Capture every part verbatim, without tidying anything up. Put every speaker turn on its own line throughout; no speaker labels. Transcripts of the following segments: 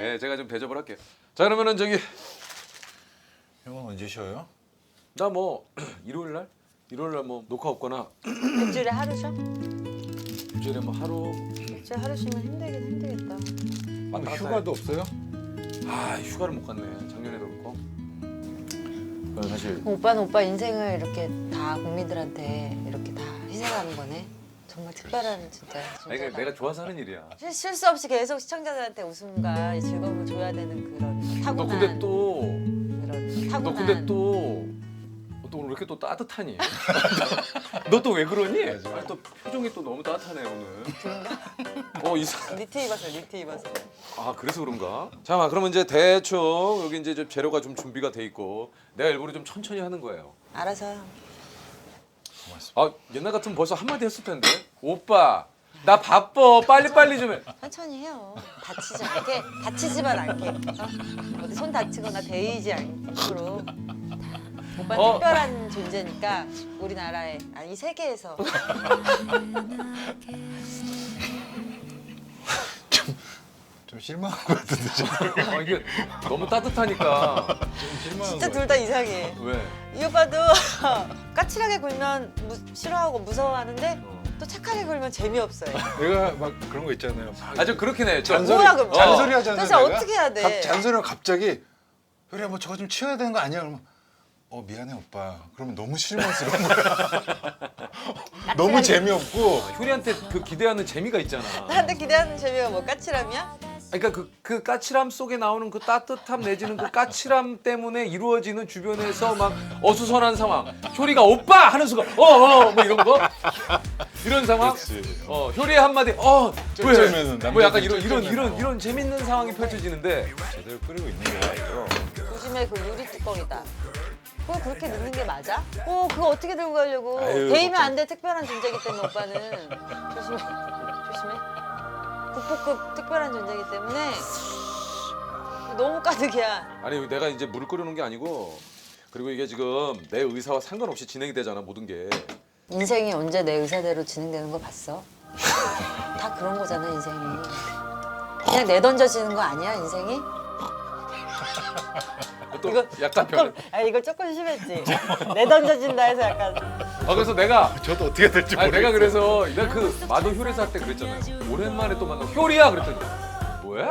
네, 제가 좀 대접을 할게요. 자 그러면은 저기
형은 언제 쉬어요?
나 뭐 일요일 날 일요일 날 뭐 녹화 없거나
일주일에 하루 쉬어?
일주일에 뭐 하루
일주일에 하루 쉬면 힘들긴 힘들겠다.
왔다 갔다
휴가도 없어요?
해. 아 휴가를 못 갔네. 작년에도 그렇고. 그건 사실
오빠는 오빠 인생을 이렇게 다 국민들한테 이렇게 다 희생하는 거네. 정말 특별한 진짜.
아니, 그러니까 내가 좋아서 하는 일이야.
실, 실수 없이 계속 시청자들한테 웃음과 즐거움을 줘야 되는 그런
너
타고난
근데 또
그런
너
타고난.
근데 또 또 오늘 왜 이렇게 또 따뜻하니? 너 또 왜 그러니?
맞아.
아니, 또 표정이 또 너무 따뜻하네 오늘. 어 이상.
니트 입었어, 니트 입었어.
아 그래서 그런가? 잠깐 그러면 이제 대충 여기 이제 좀 재료가 좀 준비가 돼 있고 내가 일부러 좀 천천히 하는 거예요.
알아서.
고맙습니다.
아 옛날 같으면 벌써 한마디 했을 텐데. 오빠 나 바빠 빨리 빨리 좀 해.
천천히 해요. 다치지 않게, 다치지만 않게. 어? 어디 손 다치거나 데이지 않도록. 오빠는
어.
특별한 존재니까 우리나라에 아니 이 세계에서
좀 실망한 것 같은데 지금.
아 이게 너무 따뜻하니까.
좀 실망한
진짜
것
둘 다 이상해.
왜?
이 오빠도 까칠하게 굴면 무, 싫어하고 무서워하는데 또 착하게 굴면 재미없어요.
같아. 내가 막 그런 거 있잖아요. 막
아좀 그렇긴 해. 저-
잔소리,
뭐야, 그럼?
잔소리 하잖아요.
도대체
내가.
어떻게 해야 돼?
갑- 잔소리를 갑자기 그래 뭐 저거 좀 치워야 되는 거 아니야? 그러면 어 미안해 오빠. 그러면 너무 실망스러운 거야. 너무 재미없고
효리한테 그 기대하는 재미가 있잖아.
나한테 기대하는 재미가 뭐 까칠함이야?
그러니까 그, 그 까칠함 속에 나오는 그 따뜻함 내지는 그 까칠함 때문에 이루어지는 주변에서 막 어수선한 상황. 효리가 오빠 하는 순간 어어 뭐 이런 거 이런 상황.
그렇지.
어 효리의 한마디 어
쩔쩔매는
왜? 뭐 약간
남자들
이런 이런
쩔쩔매는.
이런 이런 재밌는 상황이 펼쳐지는데
제대로 끓이고 있는 게 아니죠.
요즘에 그 유리 뚜껑이다. 그걸 그렇게 넣는 게 맞아? 어 그거 어떻게 들고 가려고?
아유,
데이면
걱정.
안 돼. 특별한 존재이기 때문에 오빠는 조심해. 조심해. 국보급 특별한 존재이기 때문에 너무 가득이야.
아니 내가 이제 물을 끓여놓은 게 아니고 그리고 이게 지금 내 의사와 상관없이 진행이 되잖아 모든 게.
인생이 언제 내 의사대로 진행되는 거 봤어? 다 그런 거잖아 인생이. 그냥 내던져지는 거 아니야 인생이?
또
이거
약간
조금,
변.
아 이거 조금 심했지. 내던져진다 해서 약간
아 그래서 내가
저도 어떻게 될지
아니
모르겠어요.
내가 그래서 내가 그 마도 효리사 할 때 그랬잖아요. 오랜만에 또 만나 효리야 그랬더니 뭐야?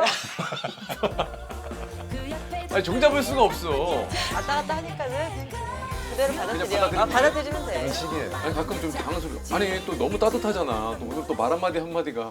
아니 종잡을 수가 없어.
왔다 갔다 하니까는 그대로 받아들여.
받아들이면
아, 받아들이면 돼.
시기에
아니 가끔 좀 당황스러워. 아니 또 너무 따뜻하잖아. 또 오늘 또 말 한마디 한마디가